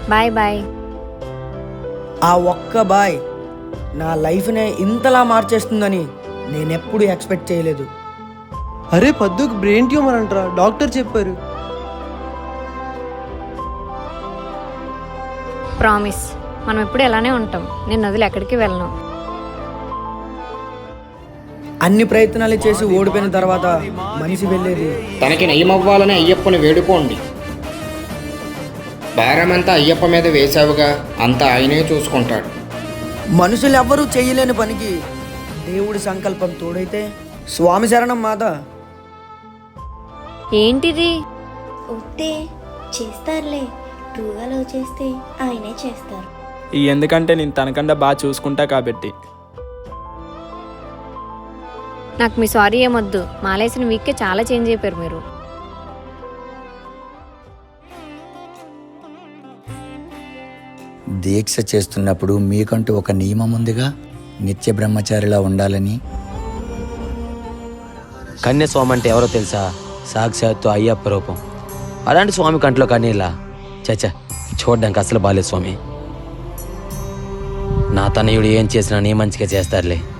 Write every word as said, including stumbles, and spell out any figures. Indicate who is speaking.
Speaker 1: Bye bye.
Speaker 2: ఆ ఒక్క bye నా లైఫ్నే ఇంతలా మార్చేస్తుందని నేనెప్పుడు ఎక్స్పెక్ట్ చేయలేదు.
Speaker 3: అరే పద్దుకు బ్రెయిన్ ట్యూమర్ అంటారా, డాక్టర్ చెప్పారు.
Speaker 1: ప్రామిస్, మనం ఎప్పుడు ఇలానే ఉంటాం. నేను వదిలి ఎక్కడికి వెళ్ళను.
Speaker 2: అన్ని ప్రయత్నాలు చేసి ఓడిపోయిన తర్వాత మనిషి వెళ్ళేది
Speaker 4: తనకి నయమవ్వాలని అయ్యప్పని వేడుకోండి. భారమంతా అయ్యప్ప మీద వేశావుగా, అంతా ఆయనే చూసుకుంటాడు.
Speaker 2: మనుషులు ఎవ్వరూ చేయలేని పనికి దేవుడి సంకల్పం తోడైతే స్వామి శరణం మాత.
Speaker 1: ఏంటిది?
Speaker 5: వద్దే, చేస్తారులే. ట్రూగా లవ్ చేస్తే ఆయనే చేస్తారు.
Speaker 6: ఎందుకంటే నేను తనకన్నా బాగా చూసుకుంటా కాబట్టి.
Speaker 1: నాకు మీ సారీ ఏమొద్దు. మాలేసిన వీక్కే చాలా చేంజ్ అయిపోయారు మీరు.
Speaker 7: దీక్ష చేస్తున్నప్పుడు మీకంటూ ఒక నియమం ఉందిగా, నిత్య బ్రహ్మచారిలా ఉండాలని.
Speaker 8: కన్యస్వామి అంటే ఎవరో తెలుసా? సాక్షాత్తు అయ్యప్ప రూపం. అలాంటి స్వామి కంట్లో కన్నీలా? చచ్చా, చూడ్డానికి అసలు బాలేదు స్వామి. నా తనయుడు ఏం చేసినా నీ మంచిగా చేస్తారులే.